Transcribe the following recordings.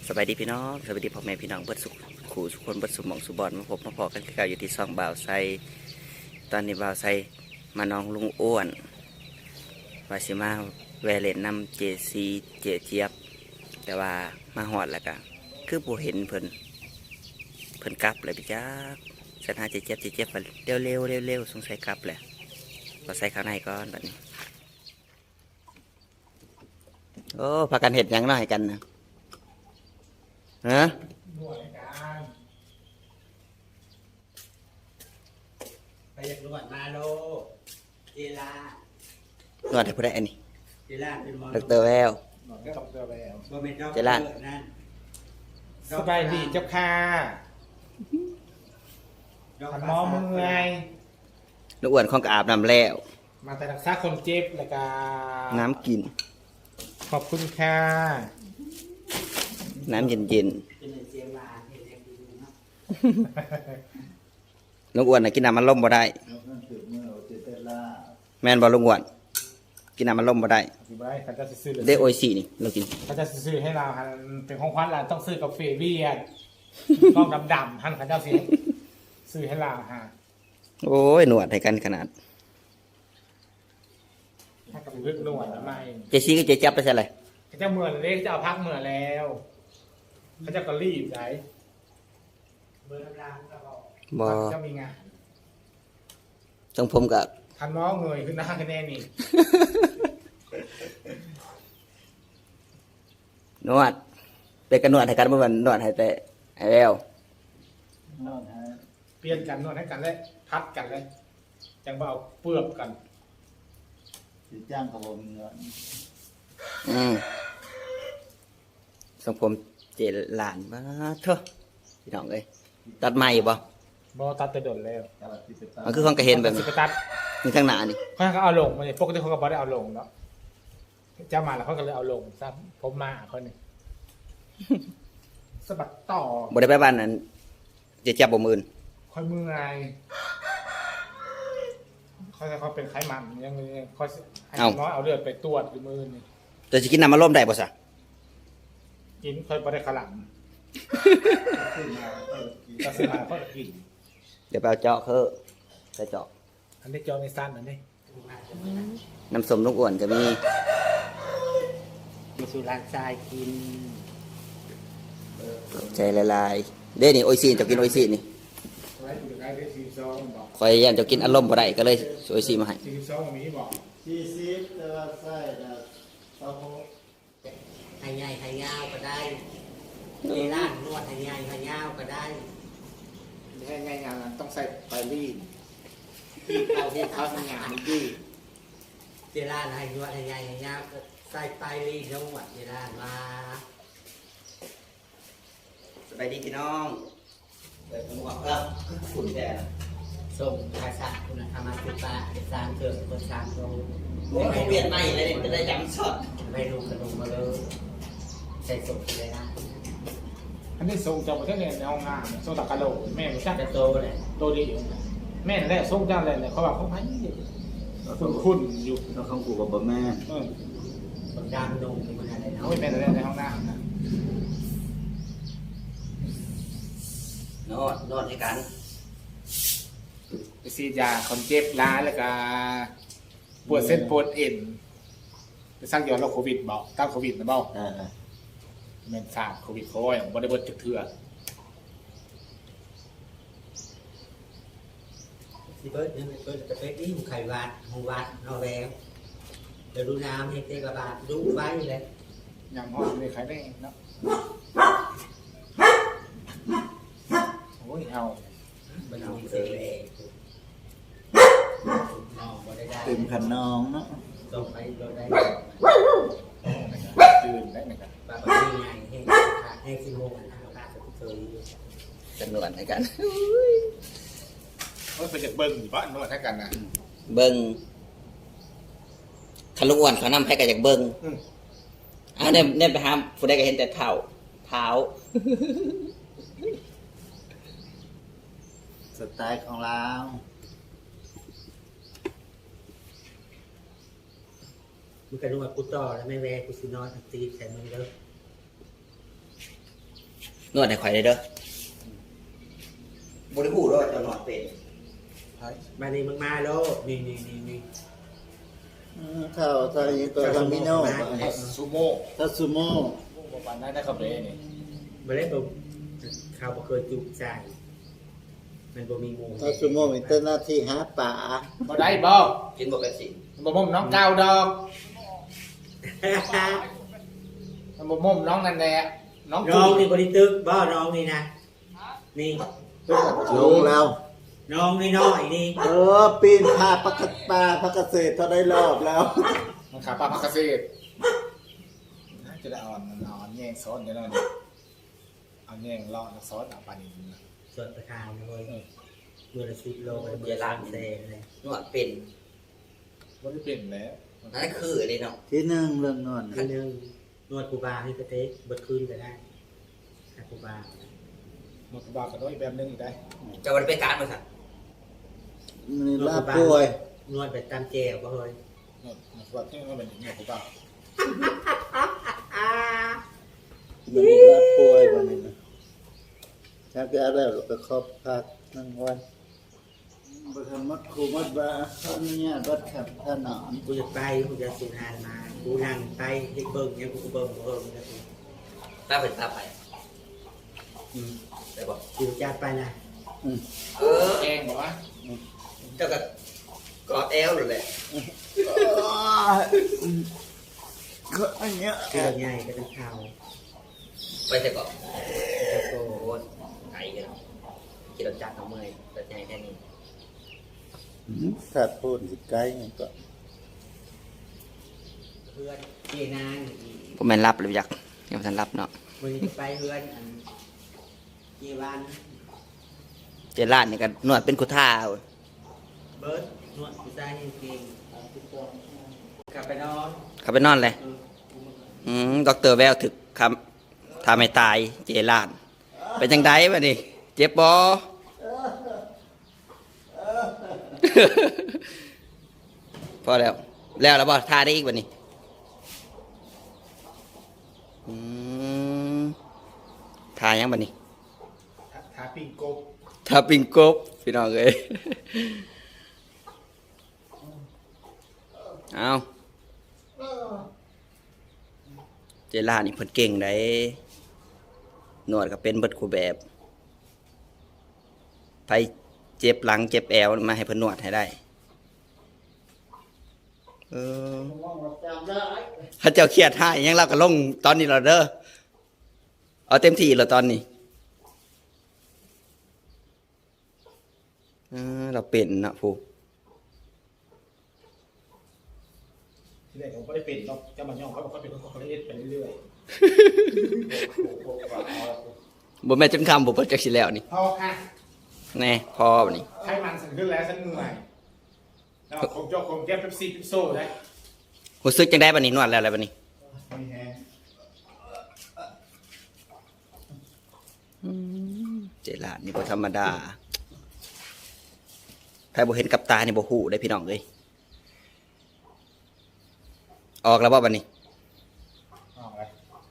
สบายดีพี่น้องสบายดีพ่อแม่พี่น้องเบิดสุขขู่สุขคนเบิดสุขหมองสุบอนมาพบมาพอกันคือเก่าอยู่ที่ซองบ่าวไซตอนนี้บ่าวไซมาน้องลุงอ้วนวาสิมาแวเลนนำเจซีเจเจี๊ยบแต่ว่ามาหอดแล้วก็คือผู้เห็นเพิ่นกลับเลยพี่จ้าสถานเจเจี๊ยบไปเร็วสงสัยกลับแหละบ่าวไซข้างในก่อนแบบนี้โอ้พากันเห็ดหยังน้อยกันนะฮะหน่วยการไปอยากนวดมาโลเจลานวดให้ผู้ใดอันนี้เจลาเป็นมอดรแววหนวดกับเกลือแววบ่เป็นดอกเจลานั่นสบายดีเจ้าค่ะขันหมอมึงไงลูกอ้วนของกอาบน้ำแล้วมาแต่รักษาคนเจ็บแล้วก็น้ำกินขอบคุณค่ะน้ำเย็นเป็นเสียงหวานเห็นแรงดีเนาะๆลูกอ้วนน่ะกินน้ำมันล่มบ่ได้แม่นบ่ลูกอ้วนกินน้ำมันล่มบ่ได้อธิบายเขาจะซื้อเด้โอซีนี่เรากินเขาจะซื้อให้เราหันเป็นของขวัญเราต้องซื้อกาแฟเวียดต้องดำๆหันเขาจะซื้อให้เราฮะโอ้ยหนวดให้กันขนาดถ้ากับลึกนวดแล้วไม่เจซี่ก็เจจับไปใช่เลยเขาจะเมื่อเล็กจะเอาพักเมื่อแล้วเขาจะก็รีบไหนเบอร์น้ำลายก็บอกบ่จะมีงานต้องผมกับทันน้อเงยขึ้นหน้าคะแนนนี่นวดเป็นกันนวดให้กันเมื่อวันนวดให้แต่ให้แล้วเปลี่ยนกันนวดให้กันเลยพัดกันเลยจังเบเอาเปลือกกันสิจ้างกับผมเงินทรงผมเจหลานมาเถอะพี่น้องเอ้ยตัดใหม่บ่บอตัดแต่โดนแล้วมันคือของกระเห็นแบบสินี้ไปตัดมีข้างหน้านี่เขาเอาลงมาเนี่ยปกติเขาก็บอได้เอาลงเนาะเจ้ามาแล้วเขาก็เลยเอาลงซะผมมาเขาเนี่ยสะบัดต่อบ่ได้ไปบ้านนั้นเจจับบ่มื่นค่อยมือไงเขาเป็นไขมันยังเขาให้น้อยเอาเลือดไปตรวจหรือมือนี่แต่สิกินน้ำมันล่มได้บ่ซะกินค่อยบอได้ขลังก็ซื้อมาเขากินเดี๋ยวไปเอาเจาะคือใส่เจาะอันนี้จอในสั้นอันนี้น้ำส้มลูกอ้วนก็มีมาสู่ร้านทรายกินใจละลายเด้นี่โออิซีนเจะกินโออิซีนนี่ไว้ดูได้ได้42บอกคอยยันเจะกินอารมณ์บ่ได้ก็เลยโออิซีมาให้ 42มีบอก 40แต่ว่าไส้น่ะตะโพให้ใหญ่ให้ยาวก็ได้เจลานนวดให้ใหญ่ให้ยาวก็ได้ง่ายๆต้องใส่ไปรีดเอาที่เขาทำงานดีเจลานให้นวดให้ใหญ่ให้ยาวก็ใส่ไปรีดนวดเจลานมาสบายดีพี่น้องเปิดหมวกแล้วฝุ่นแดดส่งภาษาคุณธรรมสุปาเด็กสร้างเกิดคนสร้างโตโอ้ยเขาเปลี่ยนใหม่เลยนี่จะได้จำสดไม่รู้ขนมมาเลยใส่ส่งเลยนะอันนี้ส่งจากประเทศในห้องน้ำส่งตะกะโหลกแม่ไม่ใช่จะโตเลยโตดีอยู่แม่แรกส่งจ้าเลยเขาบอกเขาไปคุ้นอยู่แล้วเขากูกับบะแม่คนดำนมเป็นอะไรเขาเนาะแม่แรกในห้องน้ำนะนอนให้กันไปซีดยาคนเจ็บร้ายแล้วก็ปวดเส้นปวดเอ็นไปสร้างย้อนโรคโควิดบอกตั้งโควิดนะบอกแม่นทราบโควิดเขาอย่างบริบทจุดเถื่อที่เบิร์ดนี่เบิร์ดจะไปที่หูไข่วัดหูวัดนอแววเดี๋ยวดูน้ำให้เตะกระบาดดูไว้เลยอย่างห้องเลยใครได้เนาะโอ้ยเอามันเอาเสียเองน้องบ่ได้ได้เต็มขันน้องเนาะส่งไปเราได้ตื่นได้ไหมครับปลาปลาที่ไงให้สิโมงนะปลาสุดเคยจะนวดให้กันเขาไปจากเบิ้งอยู่บ้านนวดให้กันนะเบิ้งคันลูกอ้วนเขานำให้กันจากเบิ้งเนี่ยไปหาผู้ใดก็เห็นแต่เท้าสไตล์ของเรามึงกระนวดกูต่อแล้วไม่แวกูสินอนตีใส่มึงเด้อนวดให้ข่อยได้เด้อบ่ได้ฮู้ด้วยจะนวดเป็นมานี่มึงมาโลดนี่ข้าวไทยตัวคามิโน่ทัสซูโม่ทัสซูโม่ประมาณนั้นนะครับเลยนี่มาเล่นแบบข้าวบ่เคยจุใจมันบ่มีหมูทัสซูโม่มีแต่หน้าที่หาป่าบ่ได้บ่กินบ่เป็นสิบ่ม่มน้องเก่าดอกมันบ่ม่มน้องนั่นแหละน้องน้องนี่บริตึกบ่น้องนี่นะนี่ลงแล้วน้องนี่น้อยนี่ปีนผ่าพักป่าพักเกษตรเขาได้รอบแล้วมันขาปลาพักเกษตรจะได้อ่อนแย่งซ้อนเดี๋ยวนี้เอาแย่งเลาะแล้วซ้อนเอาปลานิลส่วนประทานเลยเมื่อละ10 โลมันเวลา 3 แสนเลยนวดเป็นบ่ได้เป็นแล้วนั่นคือเลยเนาะที่หนึ่งเรื่องนอนทีนึงนวดกูบาให้กระเตะเบิดคืนก็ได้ให้กูบาหมดบาก็ได้แบบนึงอีกได้จะบ่ได้ไปการบ่ซั่นมีลาบป่วยนวดแบบตามแจวบ่เฮ้ยหมดบาที่มันเป็นหมดบามันมีลาบป่วยวันนี้นะชักยาแล้วเราไปครอบพักนั่งไว้บริมัดครูมัดบาเขาเนี่ยวัดขับถนนกูจะไปกูจะสูญหายมากูนั่งไปเด็กเบิ่งเนี่ยกูเบิ่งนะกูป้าเป็นป้าไปได้บ่กูจัดไปนะแกงบอกว่าเจ้าก็กอดแอวนั่นแหละก็อันเนี้ยเกลือใหญ่ก็ต้องเข่าไปแต่ก็จะโตโอ้ยไก่กันกินรสจัดเอาเมื่อยแต่ใหญ่แค่นี้ถ้าพูดสิไกลก็เพื่อนเจนางผมแม่นรับหรือยักยังบ่ทันรับเนาะมึงจะไปเพื่อนอันเจวันเจร้านนี่ก็นวดเป็นกุท่าเว้ยเบิร์ดนวดกูได้เก่งกลับไปนอนเข้าไปนอนเลยดอกเตอร์แววถึกคำทำให้ตายเจร้านเป็นจังไดวะนี่เจ็บบ่ พอแล้วแล้วบ่ทาได้อีกวันนี้ทายังบันนี้ทาปิ้งกบทาปิงกบพี่น้องเอ้ยเอาเจล่านี่เพิ่นเก่งได้นวดก็เป็นเบิดคู่แบบไปเจ็บหลังเจ็บแอวมาให้เพิ่นนวดให้ได้ถ้าเจ้าเครียดให้ยังเราก็ลงตอนนี้เราเด้อเอาเต็มที่เราตอนนี้เราเป็นนะผู้ที่แรกผมก็ได้เป็นเนาะจะมาย่องเขาบอกเขาเป็นคนเขาเล่นไปเรื่อยบ่แม่นจนคำบ่เปิดจักสิแล้วนี่พอค่ะแน่พอบัดนี้ให้มันสั่นขึ้นแล้วฉันเหนื่อยแล้วผมจะคงแก้เป๊ปซี่พิซโซ่ได้รู้สึกจังได๋บัดนี้นวดแล้วอะไรบัดนี้มีแฮงเจลาดนี่บ่ธรรมดาใครบ่เห็นกับตานี่บ่ฮู้ได้พี่น้องเอ้ยออกแล้วบ่บัดนี้เอาเลย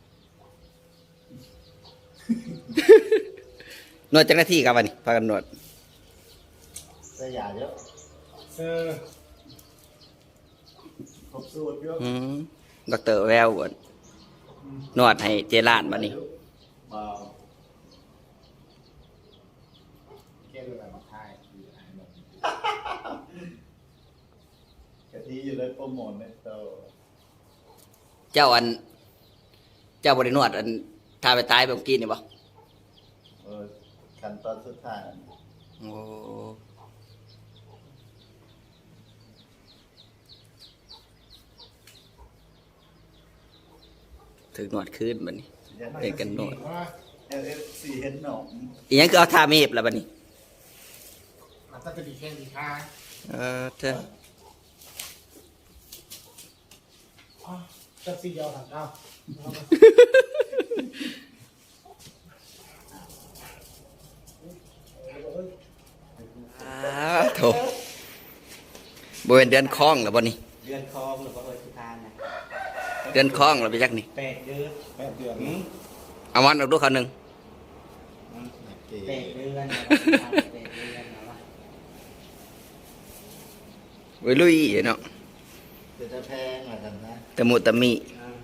นวดจักนาทีครับบัดนี้พากันนวดสยาเยอะ ครบสูตรเยอะดอกเตอร์แววบ่นวดให้เจลาดบัดนี้เบาแก้ด้วยอะไรมาทายอยู่ไหนหมดกะทิอยู่ในโปรโมทในโตเจ้าบ่ได้นวดทาไปตายแบบเมื่อกี้นี่บ่ขั้นตอนสุดท้ายโอ้ถึงนวดคืนบัดนี้ เด็กกันนวด LFC เห็นหนองอีหยังคือเอาทาเมฟแล้วบัดนี้มันต้องจะดีแค่ดีค่ะเธอจะซีเดียวถังเก้าโถบริเวณเดือนคลองแล้วบ่นี่เดือนคองหรือว่าเอิร์ธทานนะเดือนคลองแล้วไปจักนี่ 8 เดือน 8 เดือนเอาวันออกดูเขาหนึ่ง 8 เดือน8 เดือนนะวะไว้ลุยเนาะจะแพงเหมือนกันนะตะมุตะมิ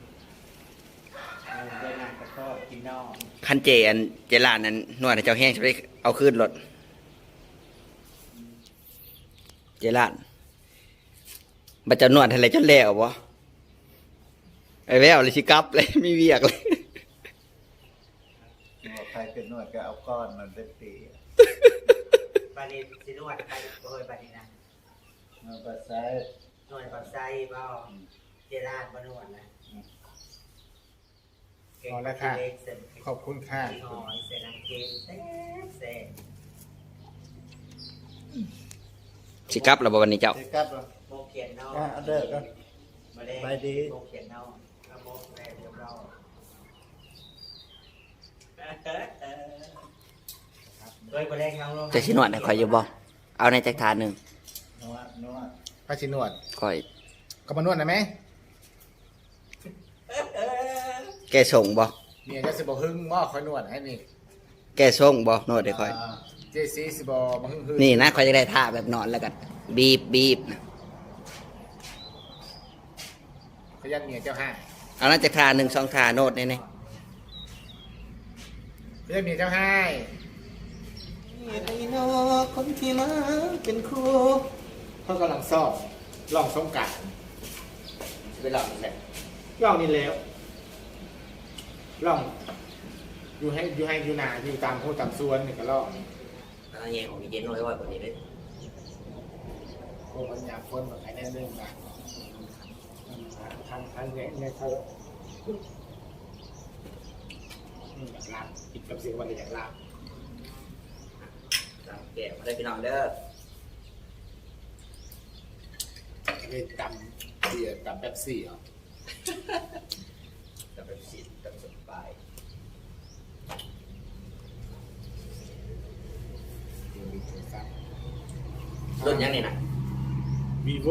ได้หนักก็ชอบกินนอกคันเจอันเจลานนั้นนวดให้เจ้าแห้งจะได้เอาขึ้นรถเจลานบัดเจะนวดอะไรจนแล้วบ่ไอ้แววเลยสิกลับเลยมีเวียกเลยบอกใครเป็นนวดก็เอาก้อนมันเป็นปีบาลีสินวดไปโดยบาลีนะมาปัสไซนวดปับไซบ่เจรานบ่นวดนะเอาละค่ะขอบคุณค่ะหอยเสน้ำเค็มแซ่บสิกลับแล้วบ่วันนี้เจ้าเด็กกลับเหรอโมกเขียนนอกเอาเด้อครับมาได้ไปดีโมกเขียนนอกแล้วโมกแม่เรียบร้อยโดยประเด็นของเราจะสินวดให้ข่อยอยู่บ่เอาในจักทานหนึงนวดพระชินวดข่อยก็มานวดนะไหมแกส่งบ่เมียจะสิบอกหึ่งบ่คอยนวดให้นี่แกส่งบ่นวดให้ข่อยเจซีสิบอกมาหึ่งหึ่งนี่นะข่อยจะได้ท่าแบบนอนแล้วกันบีบนะขยันเมียเจ้าห้าเอานั้นจักทานหนึ่งสองทาโนดนี่ขยันเมียเจ้าห้าไอ้นอคนที่มาเป็นครูเขากำลังสอบลองสงกรารไปลองใส่ลองนี่แล้วลองอยู่นาอยู่ตามโพตามสวนนี่ก็ลองแล้วแยงของเย็นน้อยว่าคนนี้เลยโอ้มันอยากคนแบบไหนแน่เรื่องนะทางเนี่ยเขาอยากลาบกินกับเสียงวันอยากลาบตามแก่มาได้พี่น้องเด้อเล่นตำเบียร์ตำแป๊บซี่เหรอจะเป็นสิจะสบายมีโทรศัพท์รุ่นยังนี่นะวีโว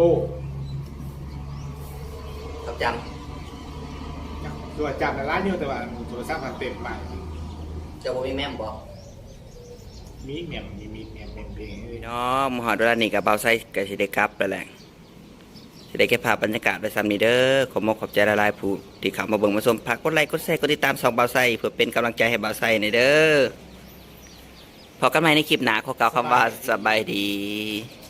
เขาจตัวจับในร้านอยู่แต่ว่าโทรศัพท์มันเต็มไปำเจ้าบ่มีแม่มบอกมีเมียมเพลงพี่น้องมหาดเวลานี่กับเบาไซกับสิได้กลับแล้วแหละสิได้เก็บภาพบรรยากาศไว้ซ้ำนี้เด้อขอมขอบใจละลายผู้ที่เข้ามาเบิ่งมาชมฝากกดไลค์กดแชร์กดติดตามสองเบาไซเพื่อเป็นกำลังใจให้เบาไซในอยเด้อพอกันใหม่ในคลิปหน้าขอกล่าวคำว่าสบายดี